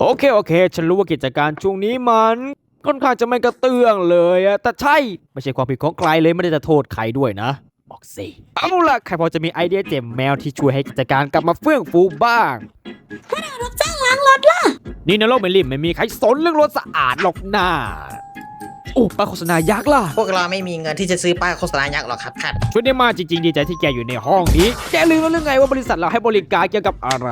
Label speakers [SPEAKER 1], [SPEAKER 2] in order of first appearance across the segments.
[SPEAKER 1] โอเคฉันรู้ว่ากิจการช่วงนี้มันค่อนข้างจะไม่กระเตื้องเลยอะแต่ใช่ไม่ใช่ความผิดของใครเลยไม่ได้จะโทษใครด้วยนะบอกสิเอาล่ะใครพอจะมีไอเดียเจ๋งแมวที่ช่วยให้กิจการกลับมาเฟื่องฟูบ้าง
[SPEAKER 2] รับจ้างล้างรถล่ะ
[SPEAKER 1] นี่ในโลกไม่ริมไม่มีใครสนเรื่องรถสะอาดหรอกนะโอ้ป้ายโฆษณายักษ์ล่ะ
[SPEAKER 3] พวกเราไม่มีเงินที่จะซื้อป้ายโฆษณายักษ์หรอกครับท่าน
[SPEAKER 1] ช่วยได้มากจริงๆดีใจที่แกอยู่ในห้องนี้แกลืมแล้วหรือไงว่าบริษัทเราให้บริการเกี่ยวกับอะไร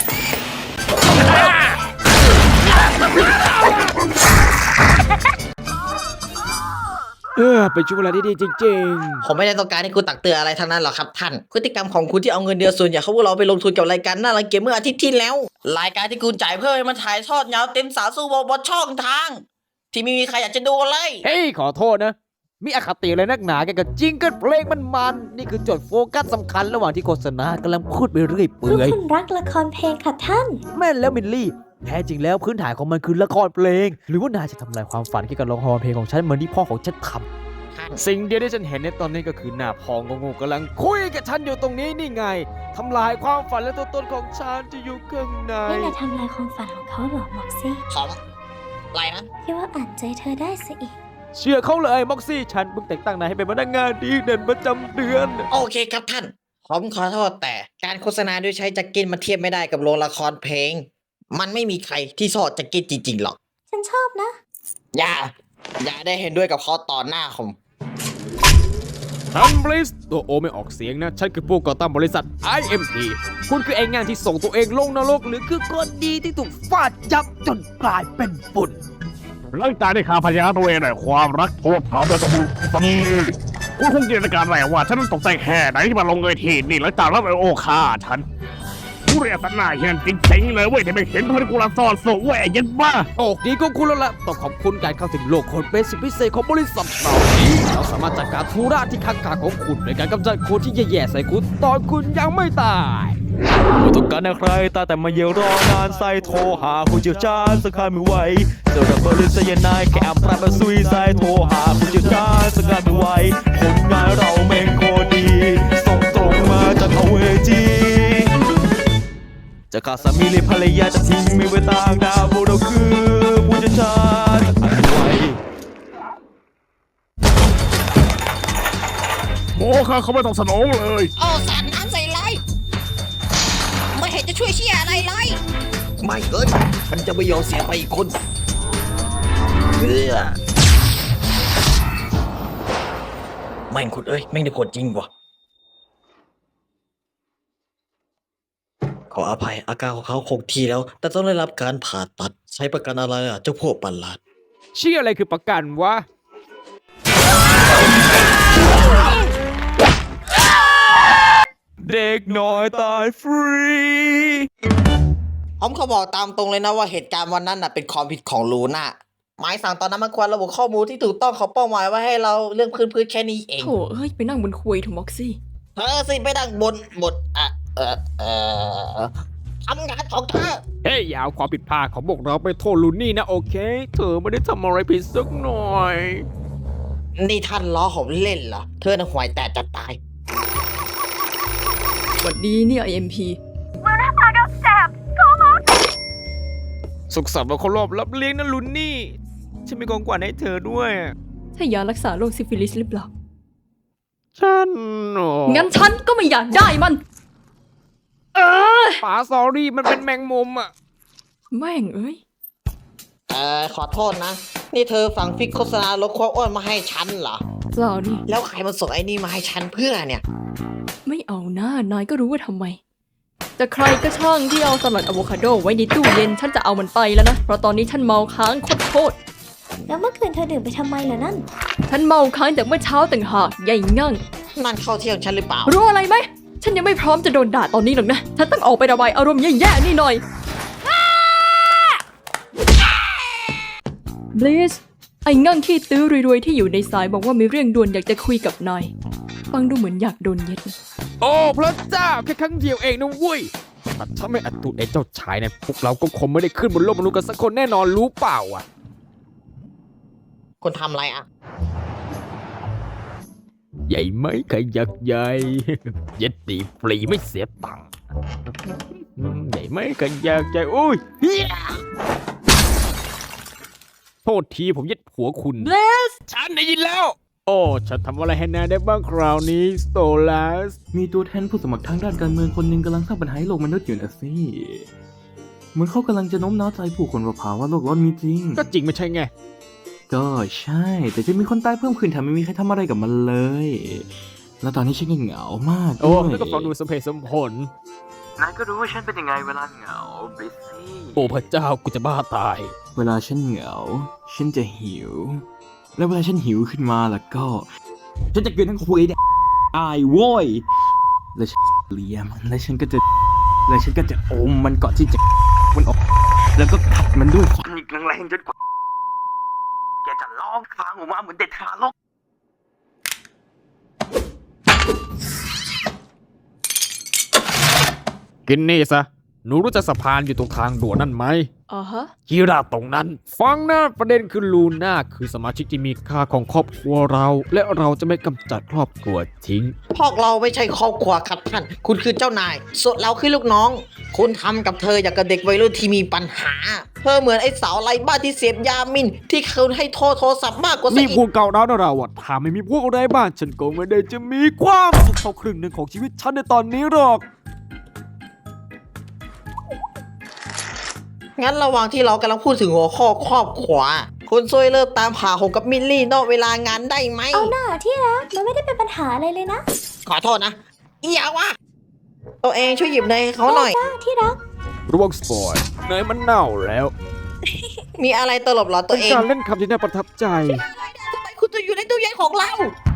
[SPEAKER 1] เป็นช่วงเวลาที่ดีจริง
[SPEAKER 3] ผมไม่ได้ต้องการให้คุณตักเตือนอะไรทั้งนั้นหรอกครับท่านพฤติกรรมของคุณที่เอาเงินเดือนส่วนใหญ่เขาพวกเราไปลงทุนกับรายการน่ารังเกียจเมื่ออาทิตย์ที่แล้วรายการที่คุณจ่ายเพื่อให้มันถ่ายทอดยาวเต็มสาสู้บนช่องทางที่ไม่มีใครอยากจะดูเลย
[SPEAKER 1] ๆเฮ้ยขอโทษนะมีอคติอะไรนักหนาแกกับจิงเกิลเพลงมันนี่คือจุดโฟกัสสำคัญระหว่างที่โฆษณากำลังพูดไปเรื่อยเปื่อย
[SPEAKER 2] คุณรักละครเพลงค่ะท่าน
[SPEAKER 1] แม่นแล้วมิลลี่แท้จริงแล้วพื้นฐานของมันคือละครเพลงหรือว่านายจะทำลายความฝันเกี่ยวกับละครเพลงของฉันเหมือนที่พ่อของฉันทำสิ่งเดียวที่ฉันเห็นในตอนนี้ก็คือหน้าพ่องงๆกำลังคุยกับฉันอยู่ตรงนี้นี่ไงทำลายความฝันและตัวตนของฉันที่อยู่ข้างใน
[SPEAKER 2] นี่นายทำลายความฝันของเขาเหรอม็อกซี่
[SPEAKER 3] ของอะไรนะ
[SPEAKER 2] คิดว่าอ่านใจเธอได้ซะอีก
[SPEAKER 1] เชื่อเขาเลยม็อกซี่ฉันเพิ่งแต่งตั้งนายให้เป็นพนักงานดีเด่นประจำเดือน
[SPEAKER 3] โอเคครับท่านผมขอโทษแต่การโฆษณาโดยใช้แจ็คเก็ตมาเทียบไม่ได้กับโรงละครเพลงมันไม่มีใครที่ชอบแจ็คเก็ตจริงๆหรอก
[SPEAKER 2] ฉันชอบนะ
[SPEAKER 3] อย่าได้เห็นด้วยกับเขาต่อหน้าผม
[SPEAKER 1] ทันบริสตัวโอไม่ออกเสียงนะฉันคือผู้ก่อตั้งบริษัท IMT คุณคือไอ้งานที่ส่งตัวเองลงนรกหรือคือคนดีที่ถูกฟาดยับจนกลายเป็นฝุ่น
[SPEAKER 4] หลังจากที่ข้าพเจ้าตัวเองได้ความรักโทษถามและสมุนนี้คุณคงจินตนาการได้ว่าฉันตกใจแค่ไหนที่มาลงเวทีนี่หลังจากรับโอคาฉันผู้เรียกสันหน้าเห็นจริงๆเลยเว้ยที่ไม่เห็นเพราะกูละซ่อนสูงเว้ยยันบ้า
[SPEAKER 1] โอ้ดีก็คุณแล้วล่ะต้องขอบคุณการเข้าถึงโลกคนเป็นสิทธิพิเศษของบริษัทเรานี้เราสามารถจัดการธุระที่ข้างๆของคุณในการกำจัดคนที่แย่ๆใส่คุณตอนคุณยังไม่ตายไม่ต้องการใครแต่มาเยรอนานใส่โทรหาผู้เชี่ยวชาญสักครั้งไม่ไหวเจอระเบิดสยนายแค่พระมาซุยใส่โทรหาผู้เชี่ยวชาญสักครั้งไม่ไหวผลงานเราแม่งโคตรดีส่งตรงมาจากเวทีจะขาดสามีหรือภรรยาจะทิ้งไม่ไว้ต่างดาวพวกเราคือผู้เชี่ยวชาญอันไว้
[SPEAKER 4] โมข้าเขาไม่ต้องสนองเลย
[SPEAKER 3] สาดน้ำใส่ไรไม่เห็นจะช่วยเชี่ยอะไรเลยไม่ฉันจะไม่ยอมเสียไปอีกคนแม่งคุณแม่งได้ผลจริงวะขออภัยอาการของเขาคงที่แล้วแต่ต้องได้รับการผ่าตัดใช้ประกันอะไรเจ้าพวกประหลาด
[SPEAKER 1] เชื่ออะไรคือประกันวะเด็กน้อยตายฟรี
[SPEAKER 3] ผมเขาบอกตามตรงเลยนะว่าเหตุการณ์วันนั้นเป็นความผิดของลูน่าหมายสั่งตอนนั้นมันควรระบุข้อมูลที่ถูกต้องของเป้าหมายไว้ให้เราเรื่องพื้นแค่นี้เอง
[SPEAKER 5] โถไปนั่งบนคุยถูกม็อกซี่
[SPEAKER 3] สิไปนั่งบนทำงานของเธอ
[SPEAKER 1] เฮ้ยอย่าเอาความผิดพลาดของพวกเราไปโทษลูนี่นะโอเคเธอไม่ได้ทำอะไรผิดสักหน่อย
[SPEAKER 3] นี่ท่านล้อผมเล่นเหรอเธอน่ะห่วยแต่จะตาย
[SPEAKER 5] สวัสดีเนี่ย IMP
[SPEAKER 1] สุขสันต์วันครบรอบรับเลี้ยงนะลูนี่ฉันมีของขวัญให้เธอด้วย
[SPEAKER 5] ใช่ยารักษาโรคซิฟิลิสหรือเปล่า
[SPEAKER 1] ฉัน
[SPEAKER 5] งั้นฉันก็ไม่อยากได้มัน
[SPEAKER 1] ป๋าสอรี่มันเป็นแมงมุมอ่ะ
[SPEAKER 5] แม่ง
[SPEAKER 3] ขอโทษนะนี่เธอสั่งฟิกโฆษณาลดความอ้วนมาให้ฉันเหรอ
[SPEAKER 5] เปล่านี่
[SPEAKER 3] แล้วใครมาส่งไอ้นี่มาให้ฉันเพื่อเนี่ย
[SPEAKER 5] ไม่เอาหน้านายก็รู้ว่าทำไมแต่ใครก็ช่างที่เอาสลัดอะโวคาโดไว้ในตู้เย็นฉันจะเอามันไปแล้วนะเพราะตอนนี้ฉันเมาค้างโคตร
[SPEAKER 2] แล้วเมื่อคืนเธอดื่มไปทำไมล่ะนั่น
[SPEAKER 5] ฉันเมาค้างจากเมื่อเช้าต่างหากใหญ่งั่ง
[SPEAKER 3] นั่นเข้าเที่ยงฉันหรือเปล่า
[SPEAKER 5] รู้อะไรไหมฉันยังไม่พร้อมจะโดนด่าตอนนี้หรอกนะฉันต้องออกไประบายอารมณ์แย่ๆนี่หน่อยบลิสไอ้งั่งขี้ตื้อรวยๆที่อยู่ในสายบอกว่ามีเรื่องด่วนอยากจะคุยกับนายฟังดูเหมือนอยากโดนเย็ด
[SPEAKER 1] โอ้พระเจ้าแค่ครั้งเดียวเองนะเว้ยถ้าไม่อัดตูดไอ้เจ้าชายเนี่ยพวกเราก็คงไม่ได้ขึ้นบนโลกมนุษย์กันสักคนแน่นอนรู้เปล่าอ่ะ
[SPEAKER 3] คนทำอะไรอ่ะ
[SPEAKER 1] ใหญ่ไหมขยักใหญ่เย็ดตีฟรีไม่เสียตังค์ใหญ่ไหมขยักใหญ่อุ้ยษทีผมยึดหัวคุณ
[SPEAKER 5] เบส
[SPEAKER 1] ฉันได้ยินแล้ว โอ้ฉันทำอะไรให้นายได้บ้างคราวนี้สโตลัส
[SPEAKER 6] มีตัวแทนผู้สมัครทางด้านการเมืองคนหนึ่งกำลังสร้างปัญหาให้โลกมนุษย์อยู่นะสิเหมือนเขากำลังจะโน้มน้าวใจผู้คนว่าภาวะโลกร้อนมีจริง
[SPEAKER 1] ก็จริงไม่ใช่ไง
[SPEAKER 6] ก็ใช่ แต่จะมีคนตายเพิ่มขึ้นแถมไม่มีใครทำอะไรกับมันเลย แล้วตอนนี้ฉันก็เหงามาก
[SPEAKER 1] โอ้
[SPEAKER 6] ด้วย
[SPEAKER 1] แล้วก็ฟังดูสมเหตุสมผล
[SPEAKER 6] นายก็รู้ว่าฉันเป็นยังไงเวลาเหงาบิสซี่
[SPEAKER 1] โอ้พระเจ้ากูจะบ้าตาย
[SPEAKER 6] เวลาฉันเหงา ฉันจะหิว แล้วเวลาฉันหิวขึ้นมาแล้วก็ ฉันจะกินทั้งคุยได้อายโว้ยแล้วฉันเลียมันแล้วฉันก็จะอมมันก่อนที่จะมันออกแล้วก็กัดมันด้วยฟันอีกแรงๆจนกว่าแกจะร้องค้างออกมาเหมือนเด็กทารก
[SPEAKER 1] กินนี่ซะ หนูรู้จักสะพานอยู่ตรงทางด่วนนั่นไหม
[SPEAKER 5] อ่าฮะ
[SPEAKER 1] กีราตรงนั้น ฟังนะประเด็นคือลูน่าคือสมาชิกที่มีค่าของครอบครัวเรา และเราจะไม่กำจัดครอบครัวทิ้ง
[SPEAKER 3] พวกเราไม่ใช่ครอบครัวครับท่าน คุณคือเจ้านาย ส่วนเราคือลูกน้อง คุณทำกับเธออย่างกับเด็กวัยรุ่นที่มีปัญหา เธอเหมือนไอ้สาวไร้บ้านที่เสพยามิน ที่เคยให้โทรศัพท์มากกว่าซะ
[SPEAKER 1] นี่
[SPEAKER 3] อีก
[SPEAKER 1] พูดเก่าแล้วนะเราอะถ้าไม่มีพวกอะไรบ้านฉันก็ไม่ได้จะมีความสุขเท่าครึ่งหนึ่งของชีวิตฉันในตอนนี้หรอก
[SPEAKER 3] งั้นระหว่างที่เรากำลังพูดถึงหัวข้อครอบครัว คุณช่วยเลิกตามหาผมกับมิลลี่นอกเวลางานได้ไหม
[SPEAKER 2] เอาหน้าที่รักมันไม่ได้เป็นปัญหาอะไรเลยนะ
[SPEAKER 3] ขอโทษนะอีอย่าวะตัวเองช่วยหยิบเนยให้เขาหน่อย
[SPEAKER 2] จ้าที่รัก
[SPEAKER 1] ระวังสปอยเนยมันเน่าแล้ว
[SPEAKER 3] มีอะไรตลบเหรอตั
[SPEAKER 1] เป็
[SPEAKER 3] วน เอง
[SPEAKER 1] การเล่นคำที่น่าประทับใจ
[SPEAKER 3] ทำไมคุณจะอยู่ในตู้เย็นของเรา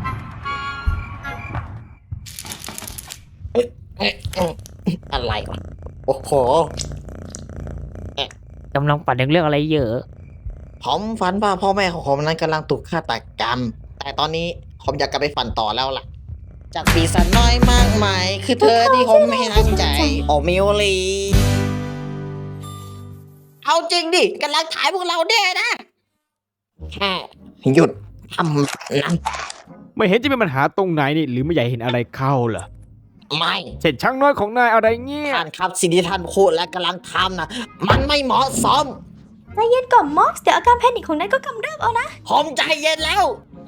[SPEAKER 3] อะไรวะ โอ้โห
[SPEAKER 7] กำลังปั่นเรื่องอะไรเยอะ
[SPEAKER 3] ผมฝันว่าพ่อแม่ของผมนั้นกำลังถูกฆาตกรรม แต่ตอนนี้ผมอยากกลับไปฝันต่อแล้วล่ะ จากปีศาจน้อยมากมาย คือเธอที่ผมไม่ตั้งใจ โอมิวลี เอาจริงดิกำลังถ่ายพวกเราแน่นะแค่หยุดทำนั้น
[SPEAKER 1] ไม่เห็นจะมีปัญหาตรงไหนนี่หรือไม่อยากเห็นอะไรเข้าเหรอ
[SPEAKER 3] ไม่
[SPEAKER 1] เช่นช่างน้อยของนายอะไรเงี้ย
[SPEAKER 3] ท่านครับสิ่งที่ท่านพูดและกำลังทำนะมันไม่เหมาะสม
[SPEAKER 2] ใจเย็นก่อนม็อกซ์เดี๋ยวอาการแพนิคของนายก็กำเริบเอานะ
[SPEAKER 3] ผมใจเย็นแล้ว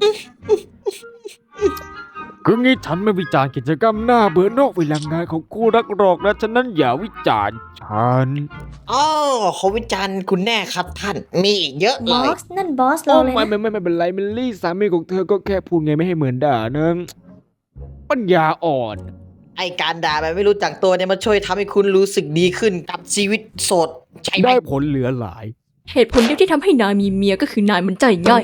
[SPEAKER 1] คืองี้ฉันไม่วิจารณ์กิจกรรมหน้าเบื่อนอกเวลางานของกูรักหรอกนะฉะนั้นอย่าวิจารณ์ฉัน
[SPEAKER 3] อ๋อเขาวิจารณ์คุณแน่ครับท่าน มีอีกเยอะเล
[SPEAKER 2] ม็
[SPEAKER 3] ย
[SPEAKER 2] อกซ์นั่นบอส
[SPEAKER 1] โอ้
[SPEAKER 2] เราเลย
[SPEAKER 1] ไม่
[SPEAKER 2] นะ
[SPEAKER 1] ไม่เป็นไรมิลลี่สามีของเธอก็แค่พูดไงไม่ให้เหมือนด่านะปัญญาอ่อน
[SPEAKER 3] ไอการด่าแบบไม่รู้จักตัวเนี่ยมันช่วยทำให้คุณรู้สึกดีขึ้นกับชีวิตโสดใช่ไหม
[SPEAKER 1] ได้ผลเหลือหลาย
[SPEAKER 5] เหตุผลเดียวที่ทำให้นายมีเมียก็คือนายมันใจง่าย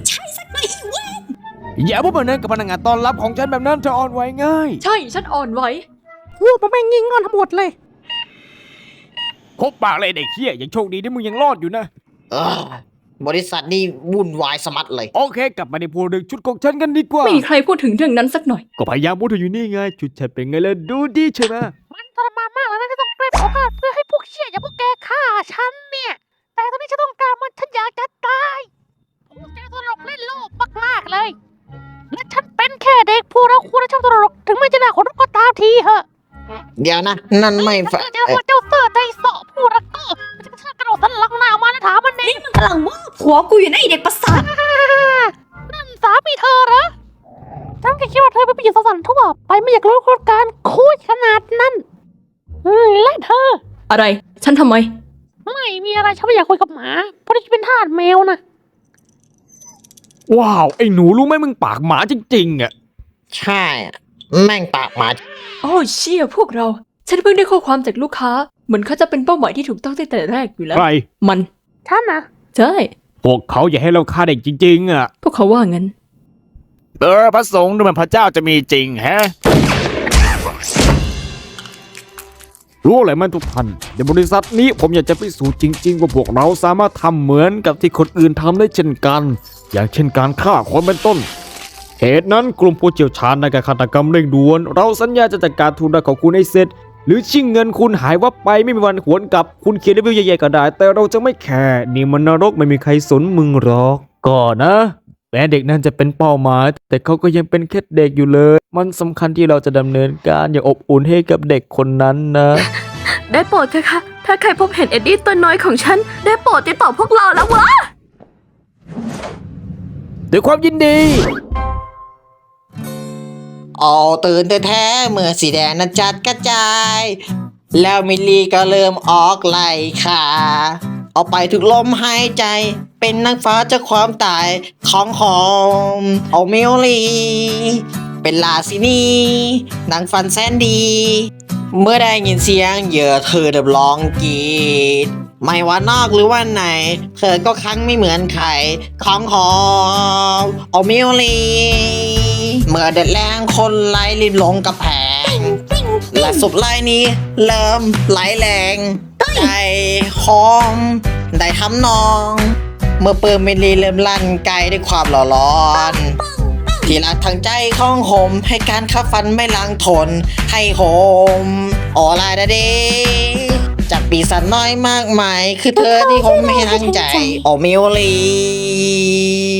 [SPEAKER 1] อย่าพูดแบบนั้นกับพนักงานต้อนรับของฉันแบบนั้นเธออ่อนไหวง่าย
[SPEAKER 5] ใช่ฉันอ่อนไหว
[SPEAKER 7] พูดมาแม่งยิงงอนทั้งหมดเลย
[SPEAKER 1] คบปากเลยเด็กเหี้ยยังโชคดีที่มึงยังรอดอยู่นะ
[SPEAKER 3] เออบริษัทนี่วุ่นวายสมัดเลย
[SPEAKER 1] โอเค กลับมาในพูดเรื่องชุดของฉันกันดีกว่า
[SPEAKER 5] ไม่มีใครพูดถึงเรื่องนั้นสักหน่อย
[SPEAKER 1] ก็พยายามพูดถึงอยู่นี่ไงชุดฉันเป็นไงล่ะดูดีใช่ไหม
[SPEAKER 7] มันทรมานมากแล้วนะที่ต้องเกรฟโอกาสเพื่อให้พวกเชี่ยอย่างพวกแกฆ่าฉันเนี่ย แต่ตอนนี้ฉันต้องการมันฉันอยากจะตายพวกแกตลกเล่นโลกมากๆเลย และฉันเป็นแค่เด็กผู้รักควรชอบตลกถึงไม่จะน่าขนลุกก็ตามทีเหอะ
[SPEAKER 3] เดี๋ยวนะ นั่นไม่
[SPEAKER 7] ถ้าเกิดเจอว่าเจ้าเสือใจเสาะผู้รักก็มันจะกระชากกระโดดสันหลังหน้าออกมาแล้วถามมันเอง
[SPEAKER 2] กำลังว่าผัวกูอยู่ในะไอเด็กประสาท
[SPEAKER 7] นั่นสามีเธอเหรอฉันแค่คิดว่าเธอเป็นผู้หญิงสันทั่วไปไม่อยากรู้การคุยขนาดนั้นและเธอ
[SPEAKER 5] อะไร ฉันทำไม
[SPEAKER 7] ไม่มีอะไรฉันไม่อยากคุยกับหมาเพราะฉันเป็นทาสแมวนะ
[SPEAKER 1] ว้าวไอ้หนูรู้ไหมมึงปากหมาจริงๆอ่ะ
[SPEAKER 3] ใช่ แม่งปากหมา
[SPEAKER 5] โอ้เชี่ยพวกเรา ฉันเพิ่งได้ข้อความจากลูกค้า เหมือนเขาจะเป็นเป้าหมายที่ถูกต้องตั้งแต่แรกอยู่แล้ว
[SPEAKER 1] ใคร
[SPEAKER 5] มัน
[SPEAKER 7] ฉันนะ
[SPEAKER 5] ใช่
[SPEAKER 1] พวกเขาอยากให้เราฆ่าเด็กจริงๆอ่ะ
[SPEAKER 5] พวกเขาว่างั้น
[SPEAKER 1] พระสงฆ์ดูเหมือนพระเจ้าจะมีจริงแฮะ รู้อะไรมันทุกท่านในบริษัทนี้ผมอยากจะพิสูจน์จริงๆว่าพวกเราสามารถทำเหมือนกับที่คนอื่นทำได้เช่นกัน อย่างเช่นการฆ่าคนเป็นต้น เหตุนั้นกลุ่มผู้เชี่ยวชาญในการฆาตกรรมเร่งด่วนเราสัญญาจะจัดการทุนได้ของคุณให้เสร็จ หรือชิงเงินคุณหายวับไปไม่มีวันหวนกลับคุณเขียนรีวิวใหญ่ๆก็ได้ แต่เราจะไม่แคร์นี่มันนรกไม่มีใครสนมึงหรอกก่อนนะแม้เด็กนั้นจะเป็นเป้าหมายแต่เขาก็ยังเป็นแค่เด็กอยู่เลย มันสำคัญที่เราจะดำเนินการอย่างอบอุ่นให้กับเด็กคนนั้นนะ
[SPEAKER 8] ได้โปรดเถอะค่ะ ถ้าใครพบเห็นเอ็ดดี้ตัวน้อยของฉัน ได้โปรดติดต่อพวกเราแล้ววะ
[SPEAKER 1] ด้วยความยินดี
[SPEAKER 3] เอาตื่นแท้ๆเมื่อสีแดงนั้นจัดกระจาย แล้วมิลลีก็เริ่มออกไล่ขาเอาไปทุกลมหายใจ เป็นนางฟ้าจากความตายของหอมเอามิลลีเป็นราชินีนางฟันแสนดี เมื่อได้ยินเสียงเหยื่อเธอเดับร้องกรีดไม่ว่านอกหรือว่าไหน เธอก็ครั้งไม่เหมือนใครของหอมเอามิลลีเมื่อเด็ดแรงคนไล่รีบลงกระแพง และสุบไล่นี้เริ่มไหลแรงได้หอมได้ทำนอง เมื่อเปิดมิลลีเริ่มลั่นไกลด้วยความหล่อร้อน ที่รักทางใจของโหมให้การขับฟันไม่ลังทนให้โหมออลาดาเดจากปีศาจน้อยมากมาย คือเธอที่ผมให้ทั้งใจโอมิวลี